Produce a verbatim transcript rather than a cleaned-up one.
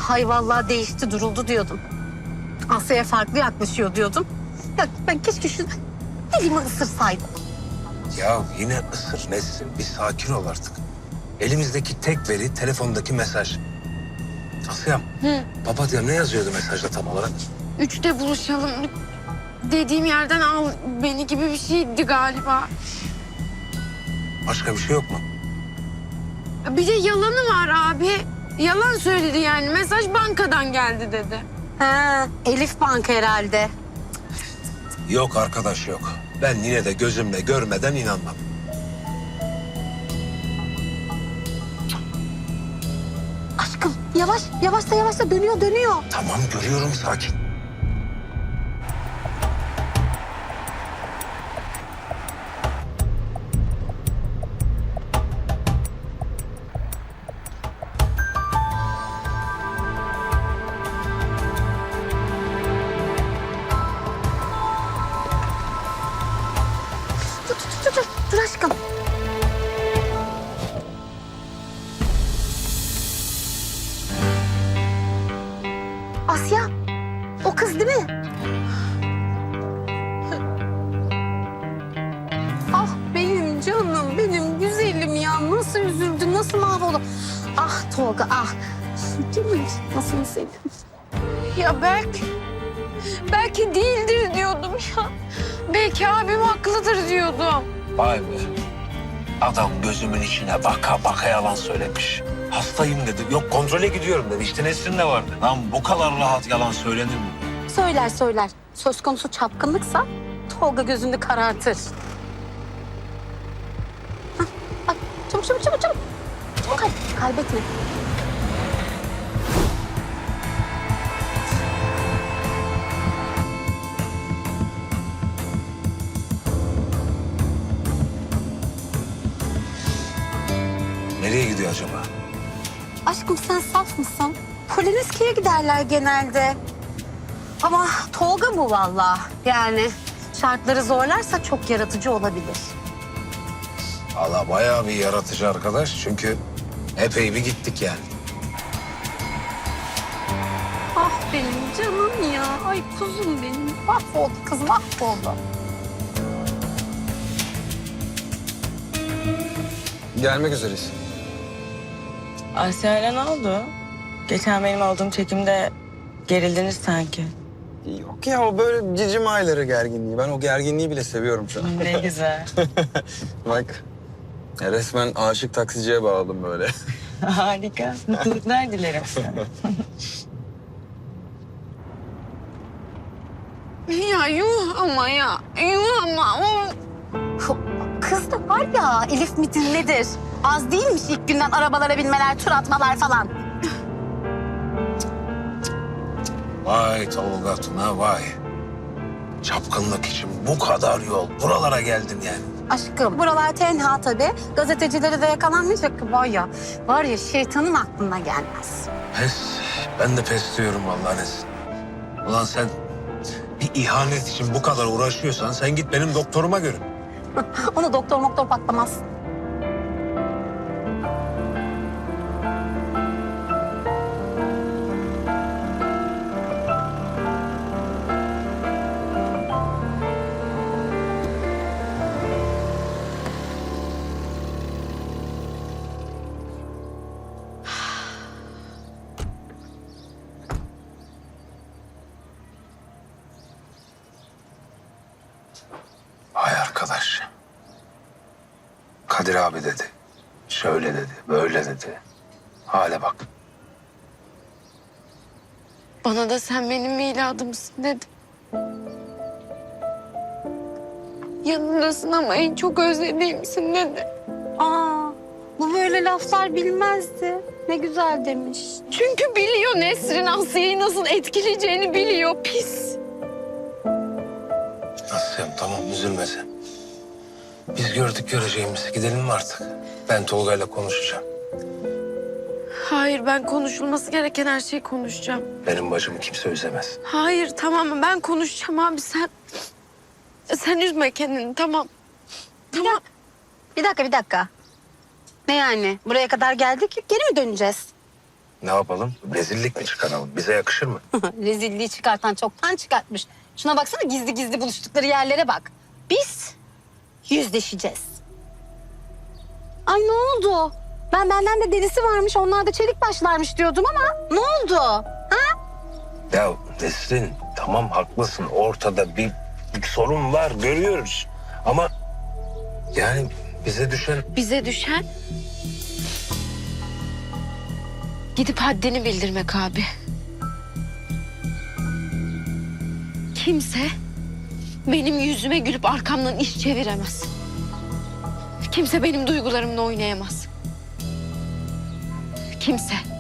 hay vallahi değişti duruldu diyordum. Asya'ya farklı yaklaşıyor diyordum. Ya ben keşke şu dilimi ısırsaydım. Ya yine ısır Nesrin. Bir sakin ol artık. Elimizdeki tek veri telefondaki mesaj. Asya'm, papatya ne yazıyordu mesajda tam olarak? Üçte buluşalım. Dediğim yerden al beni gibi bir şeydi galiba. Başka bir şey yok mu? Bir de yalanı var abi. Yalan söyledi yani. Mesaj bankadan geldi dedi. Ha, Elif Bank herhalde. Yok arkadaş yok. Ben yine de gözümle görmeden inanmam. Aşkım yavaş yavaş da yavaş da dönüyor dönüyor. Tamam görüyorum sakin. Dur dur dur dur, dur aşkım. Asya, o kız değil mi? Ah benim canım, benim güzelim ya. Nasıl üzüldü, nasıl mahvoldu. Ah Tolga, ah. Canım, nasıl üzüldüm. Ya belki... Belki değildir diyordum ya. Belki abim haklıdır diyordum. Vay be. Adam gözümün içine baka baka yalan söylemiş. Hastayım dedi. Yok kontrole gidiyorum dedi. İşte Nesrin de vardı. Lan bu kadar rahat yalan söylenir mi? Söyler söyler. Söz konusu çapkınlıksa Tolga gözünü karartır. Hah, bak çabuk çabuk çabuk çabuk. Çabuk hadi kaybetme. Nereye gidiyor acaba? Aşkım sen saf mısın? Polonezki'ye giderler genelde. Ama Tolga bu vallahi. Yani şartları zorlarsa çok yaratıcı olabilir. Valla bayağı bir yaratıcı arkadaş. Çünkü epey bir gittik yani. Ah benim canım ya. Ay kuzum benim. Mahvoldu kız mahvoldu. Gelmek üzereyiz. Asya'yla ne oldu? Geçen benim olduğum çekimde gerildiniz sanki. Yok ya o böyle cicim ayları gerginliği. Ben o gerginliği bile seviyorum şu an. Ne güzel. Bak ya resmen aşık taksiciye bağladım böyle. Harika. Mutluluklar dilerim sana. Ya yuh ama ya. Yuh ama. Kız da var ya Elif midir nedir? Az değilmiş ilk günden arabalara binmeler, tur atmalar falan. Vay Tolga Tuna vay. Çapkınlık için bu kadar yol. Buralara geldin yani. Aşkım buralar tenha tabii. Gazetecilere de yakalanmayacak var ya. Var ya şeytanın aklına gelmez. Pes. Ben de pes diyorum vallahi Nesrin. Ulan sen bir ihanet için bu kadar uğraşıyorsan sen git benim doktoruma görün. Ona doktor moktor patlamaz. Vay arkadaş. Kadir abi dedi. Şöyle dedi, böyle dedi. Hale bak. Bana da sen benim miladımsın dedi. Yanındasın ama en çok özlediğimsin dedi. Aa, bu böyle laflar bilmezdi. Ne güzel demiş. Çünkü biliyor Nesrin Asya'yı nasıl etkileyeceğini biliyor pis. Asya'm tamam üzülme sen. Biz gördük göreceğimizi. Gidelim mi artık? Ben Tolga'yla konuşacağım. Hayır ben konuşulması gereken her şeyi konuşacağım. Benim bacımı kimse üzemez. Hayır tamam mı ben konuşacağım abi sen. Sen üzme kendini tamam. Tamam. Bir dakika bir dakika. Ne yani? Buraya kadar geldik geri mi döneceğiz? Ne yapalım? Rezillik mi çıkaralım? Bize yakışır mı? Rezilliği çıkartan çoktan çıkartmış. Şuna baksana, gizli gizli buluştukları yerlere bak. Biz yüzleşeceğiz. Ay ne oldu? Ben benden de delisi varmış, onlar da çelik başlarmış diyordum ama ne oldu? Ha? Ya Nesrin, tamam haklısın. Ortada bir, bir sorun var, görüyoruz. Ama yani bize düşen... Bize düşen gidip haddini bildirmek abi. Kimse benim yüzüme gülüp arkamdan iş çeviremez. Kimse benim duygularımla oynayamaz. Kimse.